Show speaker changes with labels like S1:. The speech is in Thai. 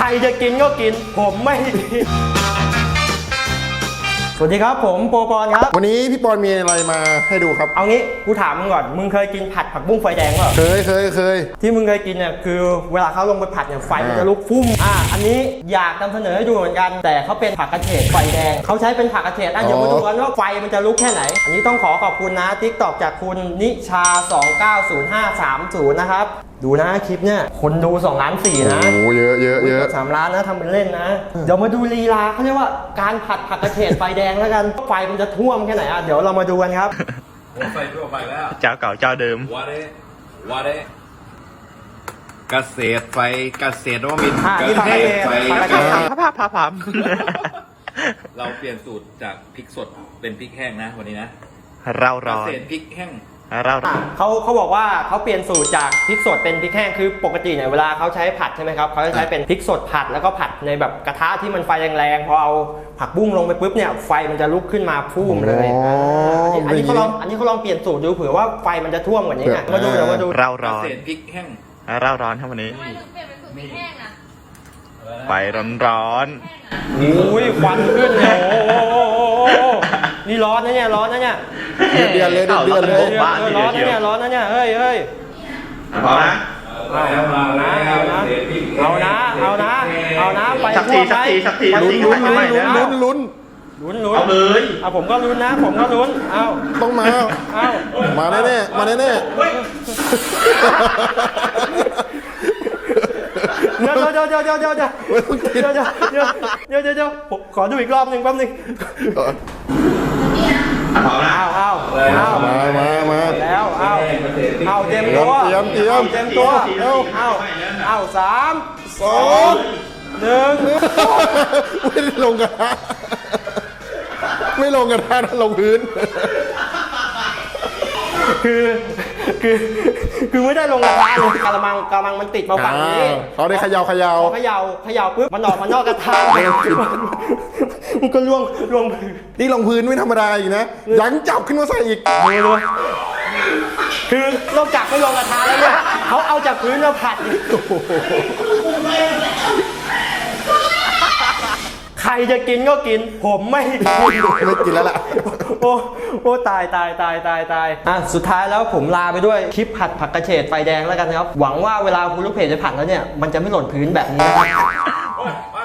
S1: รจะกินก็กินผมไม่กินสวัสดีครับผมโปปอนครับ
S2: วันนี้พี่ปอนมีอะไรมาให้ดูครับ
S1: เอางี้กูถามมึงก่อนมึงเคยกินผัดผักบุ้งไฟแดงเปล่า
S2: เคย
S1: ที่มึงเคยกินเนี่ยคือเวลาเขาลงไปผัดเนี่ยไฟมันจะลุกฟุ้งอันนี้อยากนำเสนอให้ดูเหมือนกันแต่เขาเป็นผักกระเฉดไฟแดงเขาใช้เป็นผักกระเฉดเดี๋ยวมาดูกันว่าไฟมันจะลุกแค่ไหนอันนี้ต้องขอบคุณนะ TikTok จากคุณนิชา290530นะครับดูนะคลิปเนี่ยคนดู2.4 ล้านนะ
S2: โอ้เยอะ
S1: 3 ล้านนะทำเป็นเล่นนะเดี๋ยวมาดูลีลาเขาเรียกว่าการผัดผักกระเฉดไฟแดงแล้วกันไฟมันจะท่วมแค่ไหนเดี๋ยวเรามาดูกันครับ
S3: ไฟทั่วไปแล้ว
S4: เจ้าเก่าเจ้าเดิม
S3: วาเดเกษตรไฟเกษตรว่ามี
S1: เกษตรไฟ
S4: พับ
S3: เราเปลี่ยนสูตรจากพริกสดเป็นพริกแห้งนะวันนี้นะ
S4: เราร้อน
S3: เกษตรพริกแห้ง
S1: เขาบอกว่าเขาเปลี่ยนสูตรจากพริกสดเป็นพริกแห้งคือปกติเนี่ยเวลาเขาใช้ผัดใช่ไหมครับเขาจะใช้เป็นพริกสดผัดแล้วก็ผัดในแบบกระทะที่มันไฟแรงๆพอเอาผักบุ้งลงไปปุ๊บเนี่ยไฟมันจะลุกขึ้นมาพุ่มเลยอันนี้เขาลองเปลี่ยนสูตรดูเผื่อว่าไฟมันจะท่วมกว่านี้ไงมาดู
S4: เราร้อน
S3: เกษตรพริกแห้ง
S4: เราร้อนครับวันนี้
S5: ทำไมถึงเปลี่ยนเป็นสูตรพริกแห้งอะ
S4: ไฟร้อน
S1: อุ้ยควันขึ้นเลยนี่ร้อนนะเนี่ยร้อนนะเนี่ย
S2: เดือนเลย
S1: ร้อนนะเนี่ยเฮ้ย
S4: พอนะ
S1: เอานะไป
S4: สักที
S2: ลุ้น
S4: เอาเลย
S1: ผมก็ลุ้นนะเอา
S2: ต้องมาแน่
S1: เดี๋ยวผมขอดูอีกรอบหนึ่งแป๊บนึง
S4: พอนะ
S1: เอา
S2: มา
S1: แล้วเอาเต็มตัวเอา3 2 1
S2: ไม่ได้ลงกระทะไม่ลงกระทะนะลงพื้น
S1: คือไม่ได้ลงกระทะเลยกระมังมันติดมาฝั่งนี้
S2: เขาได้เขย่า
S1: ปุ๊บมันออกมานอกกระทะมันก็ล่วง
S2: นี่ลงพื้นไม่ธรรมดาอีกนะยังจับขึ้นมาใส่อีก
S1: คือนอกจากไม่ลงกระทะแล้วเนี่ยเขาเอาจากพื้นมาผัดใครจะกินก็กินผมไม่
S2: กินแล้วล่ะ
S1: โอ้ตายสุดท้ายแล้วผมลาไปด้วยคลิปผัดผักกระเฉดไฟแดงแล้วกันครับหวังว่าเวลาคุณลูกเพจจะผัดแล้วเนี่ยมันจะไม่หล่นพื้นแบบนี้นะครับ